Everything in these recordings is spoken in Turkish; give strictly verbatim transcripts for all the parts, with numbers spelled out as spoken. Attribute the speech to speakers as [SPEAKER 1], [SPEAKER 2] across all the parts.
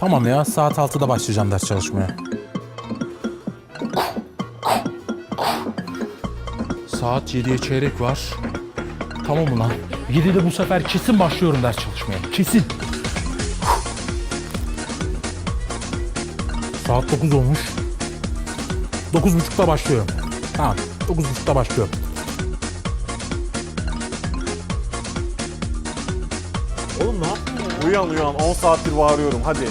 [SPEAKER 1] Tamam ya, saat altıda başlayacağım ders çalışmaya. Saat yediye çeyrek var. Tamam mı lan? yedide bu sefer kesin başlıyorum ders çalışmaya. Kesin. Saat dokuz olmuş. Dokuz buçukta başlıyorum. Tamam, dokuz buçukta başlıyorum.
[SPEAKER 2] Oğlum ne yaptın ya? Uyan uyan, on saattir bağırıyorum, hadi.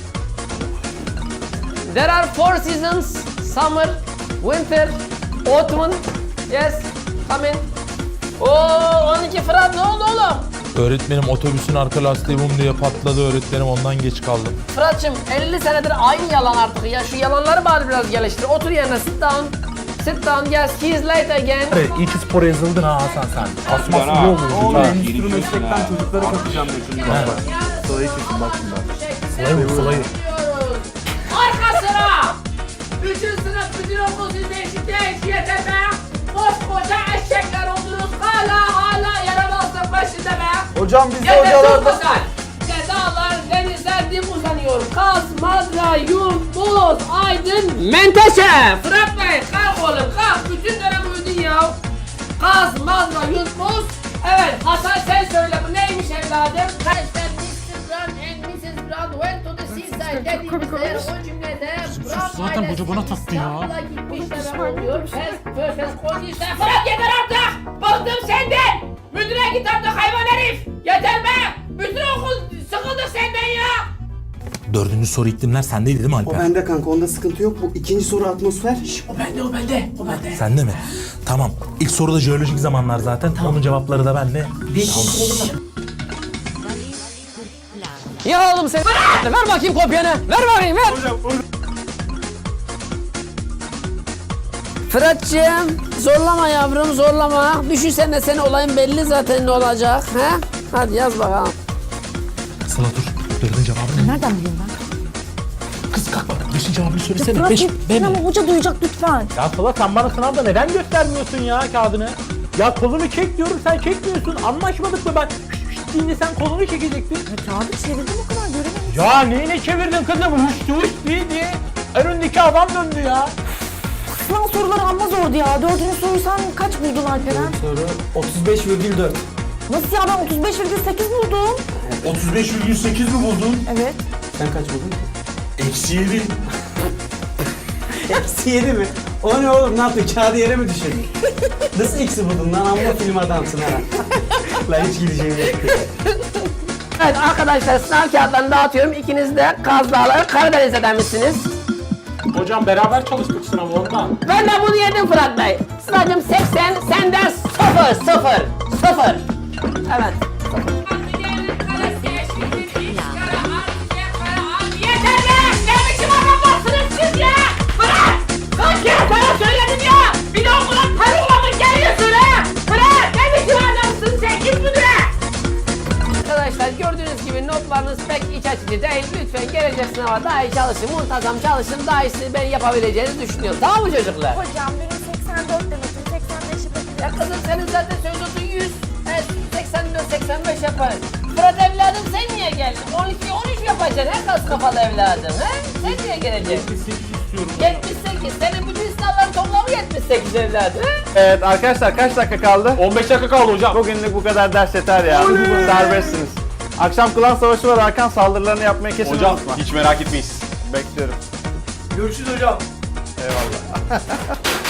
[SPEAKER 3] There are four seasons: summer, winter, autumn. Yes, come in. Oo, on iki Fırat, ne oldu oğlum?
[SPEAKER 1] Öğretmenim otobüsün arka lastiği bum diye patladı öğretmenim, ondan geç kaldım.
[SPEAKER 3] Fırat'cığım elli senedir aynı yalan artık ya. Şu yalanları bari biraz geliştir. Otur yerine, sit down. Sit down, yes, he is late again.
[SPEAKER 1] Evet, iyi ki spora yazıldın ha Hasan sen. Asması iyi olur.
[SPEAKER 2] Oğlum endüstri meslekten çocukları katacağım şimdi. Sırayı kesin bak şimdi.
[SPEAKER 1] Sırayı sırayı.
[SPEAKER 3] Arka sıra! Bütün sınıf, bütün okul sizde eşit değil, yeter be! Koskoca eşekler oldunuz, hala hala yaramazlık başında be!
[SPEAKER 2] Hocam biz de
[SPEAKER 3] Yeter çok
[SPEAKER 2] hocalardan...
[SPEAKER 3] güzel! Dağlar, denizler dim uzanıyor. Kaz, Madra, Yurt, Boz, Aydın, Menteşe! Fırat Bey, kalk oğlum, kalk! Bütün dönem uyudun ya! Kaz, Madra, Yurt, Boz... Evet, Hasan sen söyle, bu neymiş evladım? Arkadaşlar, mister Brown and missus Brown went to the seaside dediğimizde o cümlede Brown
[SPEAKER 1] zaten
[SPEAKER 3] ailesi
[SPEAKER 1] hoca bana taktı ya.
[SPEAKER 3] İstanbul'a gitmişler oluyor. Pes, pöpes, koyduysa... Fırat yeter artık! Bıktım senden! Müdüre git artık hayvan herif! Yeter be! Bütün okul sıkıldık senden ya!
[SPEAKER 1] Dördüncü soru iklimler sendeydi değil mi
[SPEAKER 4] O
[SPEAKER 1] Alper?
[SPEAKER 4] bende kanka, onda sıkıntı yok. Bu ikinci soru atmosfer. Şş,
[SPEAKER 3] O bende, o bende, o bende.
[SPEAKER 1] Sende mi? Tamam. İlk soruda jeolojik zamanlar zaten. Onun cevapları da bende.
[SPEAKER 3] Ya oğlum sen... Ver bakayım kopyanı, ver bakayım, ver!
[SPEAKER 2] Hocam,
[SPEAKER 3] Fırat'cığım, zorlama yavrum, zorlama. Düşünsene senin olayın belli zaten ne olacak, he? Hadi yaz bakalım.
[SPEAKER 1] Sıla dur. Dördüncü cevabı ne?
[SPEAKER 5] Nereden bileyim ben?
[SPEAKER 1] Kız kalk bak. Beşinci cevabını söylesene.
[SPEAKER 5] Fırat
[SPEAKER 1] Beş.
[SPEAKER 5] gitsin ama hoca duyacak lütfen.
[SPEAKER 6] Ya Sıla sen bana sınavda neden göstermiyorsun ya kağıdını? Ya kolunu çek diyorum sen çekmiyorsun. Anlaşmadık mı ben? Şşş şşş deyince sen kolunu çekecektin.
[SPEAKER 5] Ya kağıdı çevirdim o kadar göremedim.
[SPEAKER 6] Ya neyine çevirdin kızım? Huştu huş diye diye. Önündeki adam döndü ya.
[SPEAKER 5] Sınav soruları amma zordu ya. Dördüncü soruyu sen kaç buldun Alperen?
[SPEAKER 4] soru otuz beş virgül dört.
[SPEAKER 5] Nasıl ya, ben otuz beş virgül sekiz buldum.
[SPEAKER 2] otuz beş virgül sekiz mi buldun?
[SPEAKER 5] Evet.
[SPEAKER 4] Sen kaç buldun?
[SPEAKER 2] Eksi yedi.
[SPEAKER 4] Eksi yedi mi? O ne oğlum, ne yaptın? Kağıdı yere mi düşürdün? Nasıl eksi buldun lan? Amma film adamsın ha. Lan hiç gideceğim yok.
[SPEAKER 3] Evet arkadaşlar, sınav kağıtlarını dağıtıyorum. İkiniz de Kaz Dağları Karadeniz'den misiniz?
[SPEAKER 6] Hocam beraber çalıştık sınavı ondan.
[SPEAKER 3] Ben de bunu yedim Fırat Bey. Sınavcım seksen, senden sıfır, sıfır, sıfır. Evet. Yeter be! Ne biçim adamlarsınız siz ya? Fırat! Kaç kere sana söyledim ya! Bir de okula tarıkla mı geliyorsun ha? Fırat! Ne biçim adamsın sen? Git müdüre! Arkadaşlar gördüğünüz gibi notlarınız pek iç açıcı değil. Lütfen gelecek sınava daha iyi çalışın, muntazam çalışın. Daha iyisini ben yapabileceğinizi düşünüyorum. Tamam mı çocuklar?
[SPEAKER 5] Hocam benim seksen dört demedim. seksen beş yapabilirim.
[SPEAKER 3] Ya kızım senin zaten sözlüğün yüz. Evet, seksen dört seksen beş yaparız. Fırat evladım sen niye geldin? on iki on üç yapacaksın he kas kafalı evladım he? Sen niye geleceksin?
[SPEAKER 6] yetmiş sekiz istiyorum.
[SPEAKER 3] yetmiş sekiz. Senin bütün sınavların toplamı yetmiş sekiz evladım he?
[SPEAKER 2] Evet arkadaşlar, kaç dakika kaldı?
[SPEAKER 6] on beş dakika kaldı hocam.
[SPEAKER 2] Bugünlük bu kadar ders yeter ya. Serbestsiniz. Akşam klan savaşı var, Hakan saldırılarını yapmayı kesin
[SPEAKER 7] Hocam
[SPEAKER 2] unutma.
[SPEAKER 7] hiç merak etmeyiz.
[SPEAKER 2] Bekliyorum.
[SPEAKER 4] Görüşürüz hocam.
[SPEAKER 2] Eyvallah.